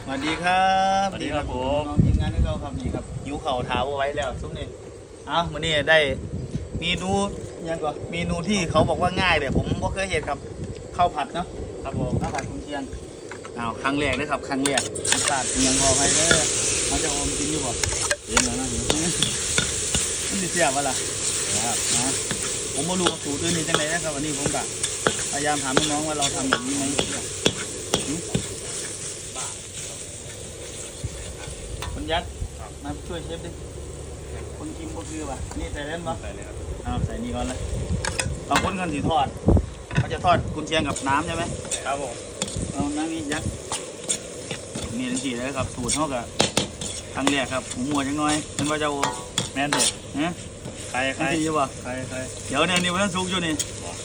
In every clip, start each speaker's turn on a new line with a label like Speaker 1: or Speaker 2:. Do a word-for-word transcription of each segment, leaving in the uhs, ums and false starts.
Speaker 1: สวัสดีครับ
Speaker 2: สวัสดีครับผม
Speaker 1: น้องทีมงานที่เราครับนี่ครับหิวเข่าเท้าไว้แล้วซุปนี่อ้าววันนี้ได้เมนูยังก่อนเมนูที่เขาบอกว่าง่ายเลยผมก็เคยเห็นครับข้าวผัดเนาะ
Speaker 2: ครับผม
Speaker 1: ข้าวผัดกุนเชียงอ้าวครั้งแรกเลยครับครั้งแรกรสชาติยังพอไปเลยมันจะอมกินอยู่บ่
Speaker 2: เย็นแล้วนะ
Speaker 1: มันจะเสียบวะล่ะครับนะผมไม่รู้สูตรอื่นนี่จังไรนะครับวันนี้ผมกะพยายามถามน้องๆว่าเราทำแบบนี้ไหมคนยัดมาช่วยเชฟดิคนกินก็คือป่ะนี่ใส่เล่นป่ะ
Speaker 2: ใส่เลยครับ
Speaker 1: อ้าวใส่นี่ก่อนเลยบางคนกันสีทอดเขาจะทอดกุนเชียงกับน้ำใช่ไหม
Speaker 2: ครับผม
Speaker 1: เอาน้ำนี้ยัดนี่ทันทีเลยครับสูตรเท่ากับครั้งแรกครับหมูหัวจังน้อยเป็นว่าจะโอ
Speaker 2: แม่นเด็ด
Speaker 1: ฮะ
Speaker 2: ใครใคร
Speaker 1: ทันทีอยู่ป่ะ
Speaker 2: ใครใคร
Speaker 1: เดี๋ยวเนี่ยนี่มันซุกอยู่นี่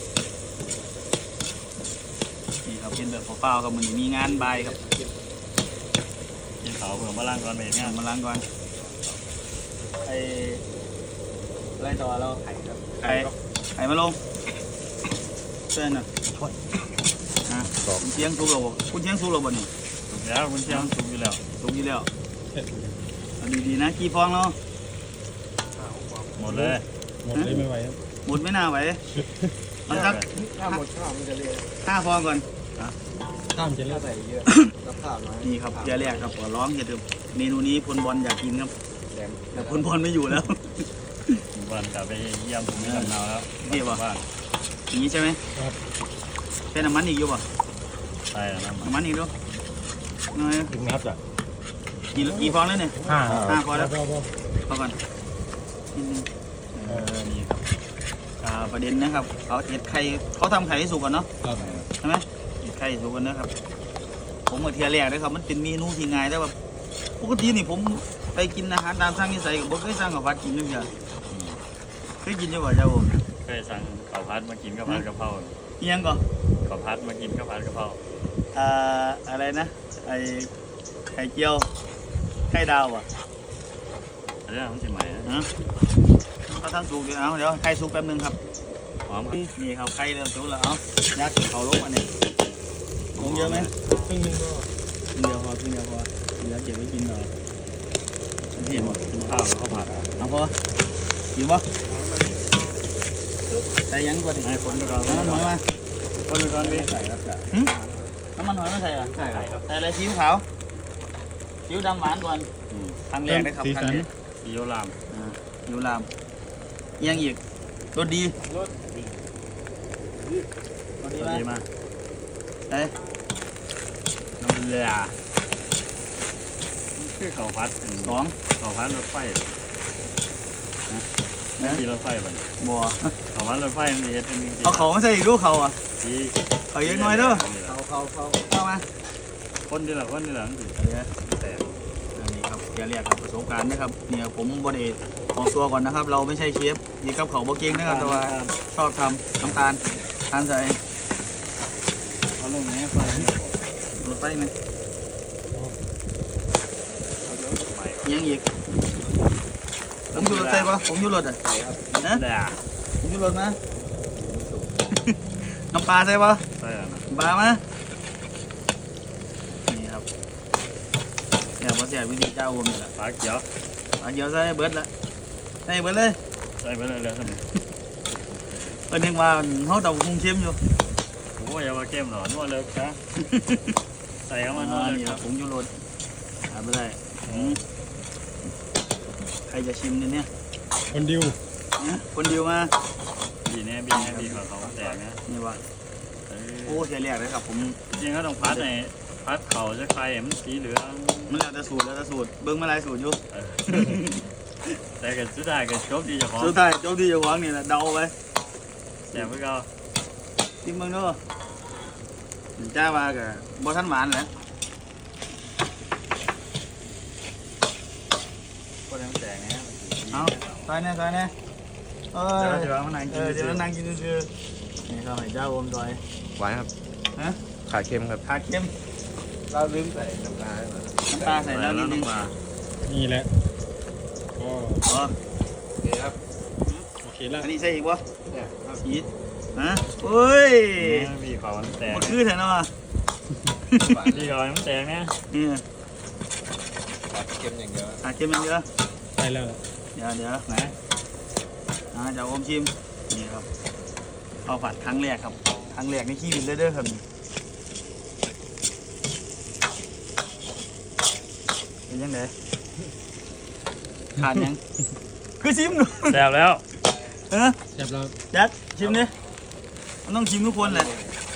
Speaker 1: นี่ครับเป็นแบบเปล่าๆครับมันมีงานบายครับ
Speaker 2: กินเขาเผื่อมาล้างก่อนเมเนี่ย
Speaker 1: มาล้างก่อนไอ้ไรต่อเราไข่ครับไข่ไข่มาลงเส้นอ่ะอ่ะคุณเชียงซุกเราบ่คุณเชียงซุกเราบ่นี่
Speaker 2: ถูกแล้วคุณเชียงถูกอยู่แล้ว
Speaker 1: ซุกอยู่แล้วเอาดีๆนะกี่ฟองเนาะ
Speaker 2: หมดเลย
Speaker 3: หมดเลยไม่ไหวครับ
Speaker 1: หมดไม่น่าไหวมันสัก
Speaker 4: ถ้าหมดข้าวมันจะเละ
Speaker 1: ห้าฟองก่อน
Speaker 3: ข้ามจะเล่
Speaker 4: ถ้าน ใส่เยอะแล้วข้าวน้อย
Speaker 1: นี่ครับเดี๋ยวแรกครับขอร้องอย่าดื่มเมนูนี้พลบอลอยากกินครับ
Speaker 4: แหลม
Speaker 1: แต่พลบอลไม่อยู่แล้ว
Speaker 2: วันกลับไปเยี่ยมผมที่ลำนาแล้ว
Speaker 1: เดี๋ยวว่ะ
Speaker 2: บ้าน
Speaker 1: อย่างนี้ใช่ไหม
Speaker 3: ครับ
Speaker 1: ใช้น้ำมันอีกอยู่ป่ะ
Speaker 2: ใช่แล้วนะ
Speaker 1: น้ำมันอีกด้วยน้อย
Speaker 3: ถึงนับจ้ะ
Speaker 1: กี่กี่ฟองแล้วเนี่ย
Speaker 3: ห้า
Speaker 1: ห้าพอแล้ว
Speaker 3: พอพอ
Speaker 1: พอก่อนนิดนึง
Speaker 2: เออนี่ครับ
Speaker 1: อ่าประเด็นนะครับเขาเห็ดไข่เขาทำไข่ให้สุกก่อนเนาะ
Speaker 3: ครับ
Speaker 1: ใช่ไหมเห็ดไข่ให้สุกก่อนนะครับ ผมมาเทียแรกนะครับมันเป็นเมนูที่ง่ายแต่ว่าปกตินี่ผมไปกินอาหารตามสั่งที่ใส่กับผมเคยสั่งกับพัดกินนึงจ้ะเคยกินอยู่ป่ะเจ้าผม
Speaker 2: เคยสั่งข้าวผัดมากินข้าวผัดกะเพรา
Speaker 1: เอียงก่อน
Speaker 2: ข้าวผัดมากินข้าวผัดกะเพรา
Speaker 1: อ่าอะไรนะไอไข่เจียวไข่ดาวอ่ะ
Speaker 2: อันนี้ของสิใหม่นะ
Speaker 1: ฮะเขาทำสุกเดี๋ยวเอาเดี๋ยวไข่สุกแป๊บนึงครับ
Speaker 2: หอมครับ
Speaker 1: นี่ครับไข่เริ่มสุกแล้วเอายัดเขาลงมาเนี่ยลงเยอะไหม
Speaker 3: ครึ่งหนึงก็
Speaker 1: กินเดียวพอกินเดียวพอกินแล้วเก็บไว้กินหน่อยเห็นหมด
Speaker 2: ข้าวข้าวผัด
Speaker 1: เอาพออยู่ปะใส่ยังก่อนดิ
Speaker 2: ให้คนไปก่อน
Speaker 1: น้ำมันหอยมา
Speaker 2: คนไปก่อนพี่
Speaker 4: ใส่ครับจ้ะ
Speaker 1: หึน้ำมันหอยมาใส่เหรอ
Speaker 4: ใช่ครับ
Speaker 1: ใส่อะไรซีอิ๊วขาวซีอิ๊วดำหวานก่อน
Speaker 2: อืม
Speaker 1: ครั้งแรกนะครับ
Speaker 3: สี
Speaker 1: ครั้
Speaker 3: สั
Speaker 1: ง
Speaker 3: น
Speaker 1: แรก
Speaker 2: ซีอิ๊วลาม
Speaker 1: อ่าซีอิ๊วลามเอียงอีกรสดี
Speaker 4: รส
Speaker 1: รสดี
Speaker 2: ส
Speaker 1: ไห
Speaker 2: วั
Speaker 1: ม
Speaker 2: สดีมา
Speaker 1: เอ้ย
Speaker 2: น้ำเลือคือข้าวผัดเป็น
Speaker 1: สอง
Speaker 2: ข้าวผัดรถไฟ
Speaker 1: นะ
Speaker 2: ที่รถไฟบ่
Speaker 1: บัว
Speaker 2: ข้าวผัดรถไฟมันสิเฮ็ดเป็นจริงๆ
Speaker 1: เอาเขามาใส่อีกลูกเขาอ่ะ
Speaker 2: ที่
Speaker 1: เขาเยอะน้อยเด้อ
Speaker 4: เขาเขาเขา
Speaker 1: เข้ามา
Speaker 2: คนที่ละคนที่ละมันสิ
Speaker 1: เดี๋ยวแต่อันนี้ครับอย่าเรียกครับประสบการณ์นะครับเนี่ยผมบไดออกตัวก่อนนะครับ เราไม่ใช่เชฟนี่ครับเขาบ่เก่งนะครับแต่ว่าชอบทำน้ำตาลทานใส่
Speaker 2: เขาลงนี้ไฟ
Speaker 1: รถไฟไหมยังอีกผมอยู่รถไฟปะผมอยู่รถอ่ะ
Speaker 4: ใส่ครับ
Speaker 1: นะ
Speaker 2: แด่
Speaker 1: ผมอยู่รถนะน้ำปลาใช่ปะ
Speaker 2: ใช่แล้วนะ
Speaker 1: ปลามานี่ครับเนี่ยพอเสียวิธีเจ้าผมนี่แหละ
Speaker 2: ปลาเขียว
Speaker 1: ปลาเดียวใส่เบิร์ดละใส่เบิร์ดเลย
Speaker 2: ใส่ไปเลยเลยท่าน
Speaker 1: เพิ่นนึกว่าเขาเตาคุงเข้มอยู่
Speaker 2: โอ้ยอย่ามาเข้มหรอนวดเลยครับใส่เข้ามานวดเลย
Speaker 1: นี่
Speaker 2: ค
Speaker 1: ค
Speaker 2: รั
Speaker 1: รั
Speaker 2: บบ
Speaker 1: ผมอยู่รถหาไม่ได้อืมใครจะชิมเนี่ยเนี่ย
Speaker 3: คนดิว
Speaker 1: นะคนเดียวมา
Speaker 2: บีแน่บีแน่บีของเขาแตกนะ
Speaker 1: นี่ว่า
Speaker 2: เอ
Speaker 1: โอ้
Speaker 2: อ
Speaker 1: เสียแรกเลยครับผม
Speaker 2: จริงๆก็ต้องพัดในพัดเขาจะใครมันสีเหลือง
Speaker 1: มันแล้วแต่สูตรแล้วแต่สูตรเบิ้งมาหลายสูตรอยู่
Speaker 2: เออแต่ก็สุดท้ายก็จบดีเจ้าของ
Speaker 1: สุดท้ายเจ้าที่เจ้าของนี่แหละเดาไป
Speaker 2: แต่เพื่อก็
Speaker 1: ชิมเบิ้งเด้อจ้าว่ากับบ่ทันหวานแหละ
Speaker 2: คนยังแตกนะ
Speaker 1: เอาใส่แน่ใส่แน่เออ
Speaker 2: เดี๋ยวจะวางมันนั่ง
Speaker 1: เอ
Speaker 2: กิน
Speaker 1: อเดี๋ยวนั่งกินซื่อๆนี่ครับให้เจ้าอมซอย
Speaker 4: หวานครับ
Speaker 1: ฮะ
Speaker 4: ขาเค็มครับ
Speaker 1: ขาเค็ม
Speaker 4: เราลืมใส่น้ำปลาให้มา
Speaker 1: น้ำปลาใส่แล้วนิดนึง
Speaker 2: มา
Speaker 3: นี่แหละก็
Speaker 1: อ๋อ
Speaker 4: โอเคครับ
Speaker 3: โอเคแล้ว
Speaker 1: อันนี้ใส่อีกวะ
Speaker 4: เนี่ยครับ
Speaker 1: อีกฮะเฮ้ย
Speaker 2: บีเขามันแตก
Speaker 1: มันคือแถวนั้นอ่ะ
Speaker 2: บีเขามันแตกนะ
Speaker 1: นี่
Speaker 4: ขาดเค็มอย่างเดียว
Speaker 1: อ่ะเค็มมันเยอะ
Speaker 3: ไปแล้วล่ะ
Speaker 1: เดี๋ยวเดี๋ยวไหนอ่าเดี๋ยวอมชิมนี่ครับข้าวผัดครั้งแรกครับครั้งแรกในชีวิตเลยเด้อครับนี่เป็นยังไงทานยังคือชิมดู
Speaker 2: แซ่บแล้ว
Speaker 1: เออ
Speaker 3: เรียบร้อย
Speaker 1: จัดชิมดิมันต้องชิมทุกคนแหละ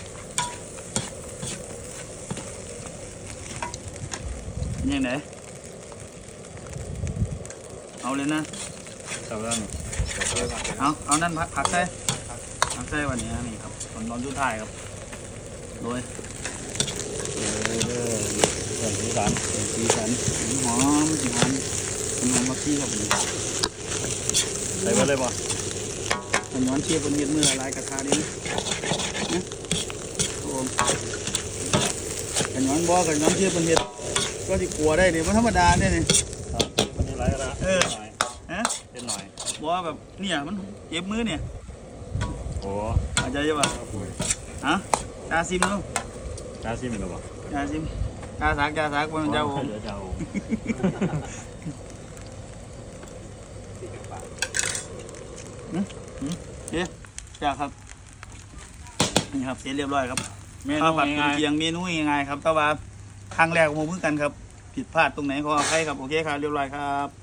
Speaker 1: เป็นยังไงเอาเลยนะ
Speaker 2: แซ่บแล้วนี่
Speaker 1: เอาเอานั่นผักผักใส่ผักใส่วันนี้นะนี่ครับตอนตอนสุดท้ายครับโดย
Speaker 2: เออเรื่องสีสัน
Speaker 1: สีสันหอมสีหอมเป็นหอมมะขี้ครับผม
Speaker 2: ใส่ไปเลยป่ะ
Speaker 1: มันย้อนเชียบนเม็ดมือละลายกระทะดินะโอ้กันย้อนบ่กันย้อนเชียบนเม็ดก็ที่กลัวได้เนี่ยมันธรรมดาเนี่ยนี่
Speaker 2: ครับวันนี้ไรก็ได้
Speaker 1: เออ
Speaker 2: หน่อย
Speaker 1: ฮะ
Speaker 2: เป็นหน่อย
Speaker 1: บ่แบบเนี่ยมันเจ็บมือเนี่ย
Speaker 2: โอ้
Speaker 1: อาจจะยังไงฮะจาซิมดู
Speaker 2: กล้าซิมหรือเปล่า
Speaker 1: จาซิมจาสักจาสักมันจะโอม
Speaker 2: เดี๋ยวจะเอา
Speaker 1: เอ๊ะจ้าครับนี่ครับเสร็จเรียบร้อยครับ
Speaker 2: เมนู
Speaker 1: ข้าวผัดกุน
Speaker 2: ง่าย
Speaker 1: เชียงเมนูง่ายๆครับแต่ว่าครั้งแรกผมเพิ่งกันครับผิดพลาดตรงไหนขออภัยครับโอเคครับเรียบร้อยครับ